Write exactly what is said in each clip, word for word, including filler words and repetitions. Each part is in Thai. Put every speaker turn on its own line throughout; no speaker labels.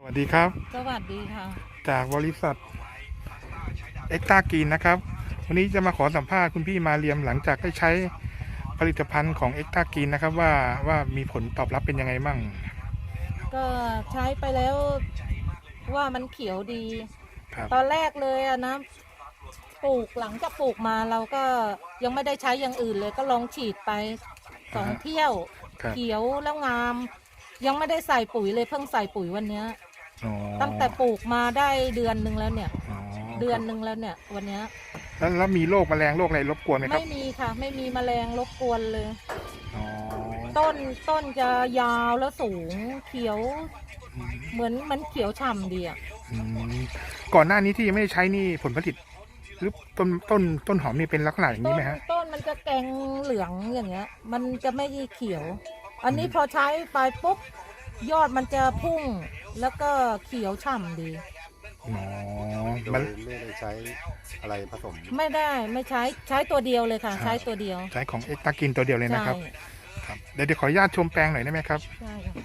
วัสดีครับ
สวัสดีค่ะ
จากบริษัทเอ็กตากีนนะครับวันนี้จะมาขอสัมภาษณ์คุณพี่มาเรียมหลังจากได้ใช้ผลิตภัณฑ์ของเอ็กตากีนนะครับว่าว่ามีผลตอบรับเป็นยังไงมั่ง
ก็ใช้ไปแล้วว่ามันเขียวดี
ครับ
ตอนแรกเลยอะนะปลูกหลังจากปลูกมาเราก็ยังไม่ได้ใช้อย่างอื่นเลยก็ลองฉีดไปสองเที่ยวเขียวแล้วงามยังไม่ได้ใส่ปุ๋ยเลยเพิ่งใส่ปุ๋ยวันนี้ตั้งแต่ปลูกมาได้เดือนหนึ่งแล้วเนี่ยเดือนหนึ่งแล้วเนี่ยวันนี้
แล้วแล้วมีโรคแมลงโรคอะไรรบกวนไหมครับ
ไม่มีค่ะไม่มีแมลงรบกวนเลยต้นต้นจะยาวแล้วสูงเขียวเหมือนมันเขียวฉ่ำดีอ่ะ
ก่อนหน้านี้ที่ยังไม่ได้ใช้นี่ผลผลิตหรือต้นต้นต้นหอมนี่เป็นลักษณะอย่างนี้ไหมฮะ
ต้นมันจะแกงเหลืองอย่างเงี้ยมันจะไม่เขียวอันนี้พอใช้ไปปุ๊บยอดมันจะพุ่งแล้วก็เขียวฉ่ำดี
อ๋อ
มันไม่ได้ใช้อะไรผสม
ไม่ได้ไม่ใช้ใช้ตัวเดียวเลยค่ะใช้ตัวเดียว
ใช้ของเอ็กตากินตัวเดียวเลยนะครับครับเดี๋ยวเดี๋ยวขออนุญาตชมแปลงหน่อยได้ไหมครับ
ใช่ค่ะ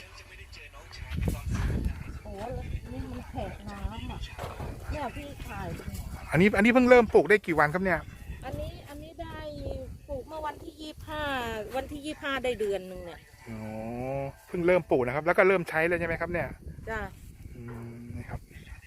โอ้นี่มันแผงน้ำอ่ะเนี่ยพี่ถ่าย
อันนี้อันนี้เพิ่งเริ่มปลูกได้กี่วันครับเนี่ย
อันนี้อันนี้ได้ปลูกเมื่อวันที่ยี่สิบห้าวันที่ยี่สิบห้าได้เดือนหนึ่งเนี่ย
อ๋อเพิ่งเริ่มปลูกนะครับแล้วก็เริ่มใช้เลยใช่ไหมครับเนี่ย
จ้า
อืมนี่ครับ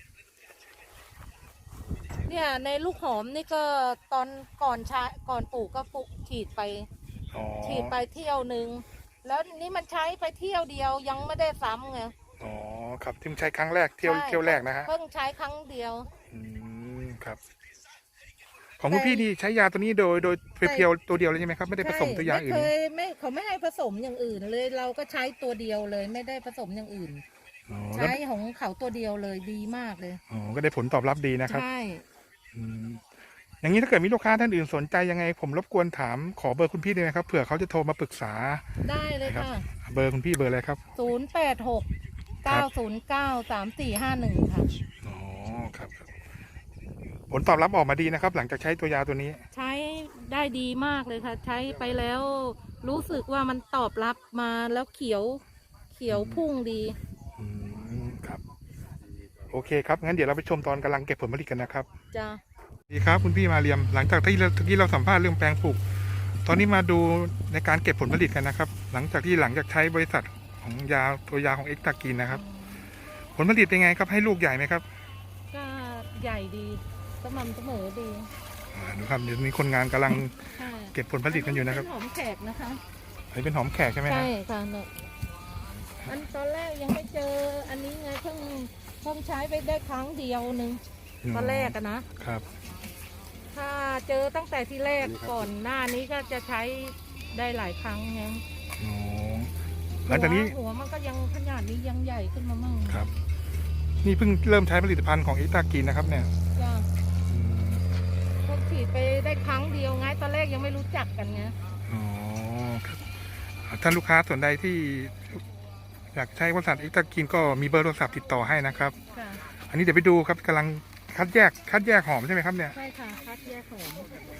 เนี่ยในลูกหอมนี่ก็ตอนก่อนใช้ก่อนปลูกก็ปลูกฉีดไปฉีดไปเที่ยวหนึ่งแล้วนี่มันใช้ไปเที่ยวเดียวยังไม่ได้ซ้ำไง
อ๋อครับที่ใช้ครั้งแรกเที่ยวเที่ยวแรกนะฮะ
เพิ่งใช้ครั้งเดียว
อืมครับของคุณพี่นี่ใช้ยาตัวนี้โดยโดยเพียวๆตัวเดียวเลยใช่ไหมครับไม่ได้ผสมตัวยาอื่น
ไม่เคยไม่เขาไม่ให้ผสมอย่างอื่นเลยเราก็ใช้ตัวเดียวเลยไม่ได้ผสมอย่างอื่นใช้ของเขาตัวเดียวเลยดีมากเลย
อ๋อก็ได้ผลตอบรับดีนะครับ
ใช่
อย่างนี้ถ้าเกิดมีลูกค้าท่านอื่นสนใจยังไงผมรบกวนถามขอเบอร์คุณพี่ได้ไหมครับเผื่อเขาจะโทรมาปรึกษา
ได้เลยค่ะ
เบอร์คุณพี่เบอร์อะไรครับ
ศูนย์แปดหกเก้าศูนย์เก้าสามสี่ห้าหนึ่งค่ะ
อ๋อครับผลตอบรับออกมาดีนะครับหลังจากใช้ตัวยาตัวนี้
ใช้ได้ดีมากเลยค่ะใช้ไปแล้วรู้สึกว่ามันตอบรับมาแล้วเขียวเขียวพุ่งดี
อืมครับโอเคครับงั้นเดี๋ยวเราไปชมตอนกำลังเก็บผลผลิตกันนะครับ
จ้า
ดีครับคุณพี่มาเรียมหลังจากที่เมื่อกี้เราสัมภาษณ์เรื่องแปลงปลูกตอนนี้มาดูในการเก็บผลผลิตกันนะครับหลังจากที่หลังจากใช้บริษัทของยาตัวยาของเอ็กตากินนะครับผลผลิตเป็นไงครับให้ลูกใหญ่ไหมครับ
ก็ใหญ่ดีสม่ำเสมอดี
ดูครับเดี๋ยวมีคนงานกำลังเก็บผลผลิตกันอยู่นะครับ
หอมแขกนะคะ
อันนี้เป็นหอมแขกใช่ไหม
ใช่ค่ะเนี่ยอันตอนแรกยังไม่เจออันนี้ไงเพิ่งเพิ่งใช้ไปได้ครั้งเดียวหนึ่งตอนแรกอะนะครับถ้าเจอตั้งแต่ที่แรกก่อนหน้านี้ก็จะใช้ได้หลายครั้งไง
อ๋อหลังจากนี้
หัวมันก็ยังขนาดนี้ยังใหญ่ขึ้นมามั่ง
ครับนี่เพิ่งเริ่มใช้ผลิตภัณฑ์ของเอ็กตากินนะครับเนี่ย
จ้าเพิ่งฉีดไปได้ครั้งเดียวไงตอนแรกยังไม่รู้จักกันไง
อ๋อครับท่านลูกค้าส่วนใดที่อยากใช้บริษัทเอ็กตากินก็มีเบอร์โทรศัพท์ติดต่อให้นะครับอันนี้เดี๋ยวไปดูครับกำลังคัดแยกคัดแยกหอมใช่ไหมครับเนี่ย
ใช่ค่ะคัดแยกหอม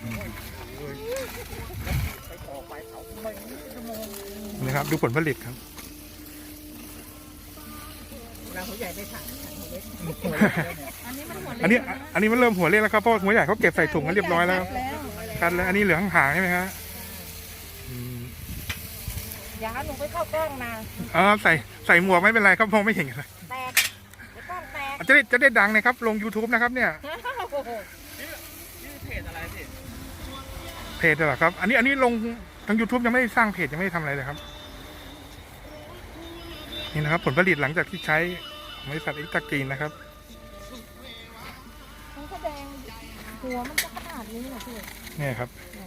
นี่ครับดูผลผลิตครับ
เราหัวใหญ่ไปถังหัวเล็กอันนี้มันหัวเล็ก
อันนี้อันนี้มันเริ่มหัวเล็กแล้วครับเพราะหัวใหญ่เขาเก็บใส่ถุงกันเรียบร้อยแล้วคัดแล้วอันนี้เหลือหางใช่ไหมครับ
อย่าหนูไปเข้ากล้องนะ
อ๋อใส่ใส่หมวกไม่เป็นไรครับมองไม่เห็นเลย
แตกกล้องแตก
จะได้จะได้ดังนะครับลง ยูทูบ นะครับเนี่ย
เพจอะไรพี่
เพจเหรอครับอันนี้อันนี้ลงทาง ยูทูบ ยังไม่ได้สร้างเพจยังไม่ได้ทำอะไรเลยครับนี่นะครับผลผลิตหลังจากที่ใช้บริษัทเอ็กตากินนะครับ
มันแสดงหัวมันจะขนาดนี้นะพี่
นี่ครับ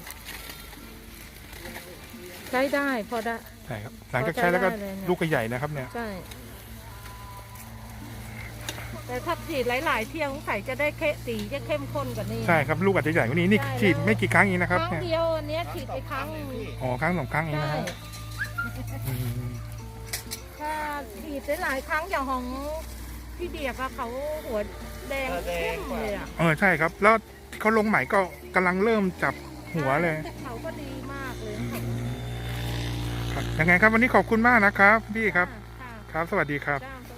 ใช้ได้พอได้
ใช่ครับหลังจากใช้แล้วก็ลูกก็ใหญ่นะครับเนี่ย
ใช่แต่ถ้าฉีดหลายๆเที่ยวใส่จะได้เข้สีจะเข้มข้นกว่านี้
ใช่ครับลูกอาจจะใหญ่กว่านี้นี่ฉีดไม่กี่ครั้งเองนะครับ
ครั้งเดียวอันนี้ฉีดไปครั้ง
อ๋อครั้งสองครั้งเองนะครับ
ถ้าฉีดหลายครั้งอย่างของพี่เดียบอะเขาหัวแดงเข้มเลยอะ
เออใช่ครับแล้วเขาลงใหม่ก็กำลังเริ่มจับหัวเลย
เขาก็ดีมากเลย
ยังไงครับวันนี้ขอบคุณมากนะครับพี่ครับครับสวัสดีครับ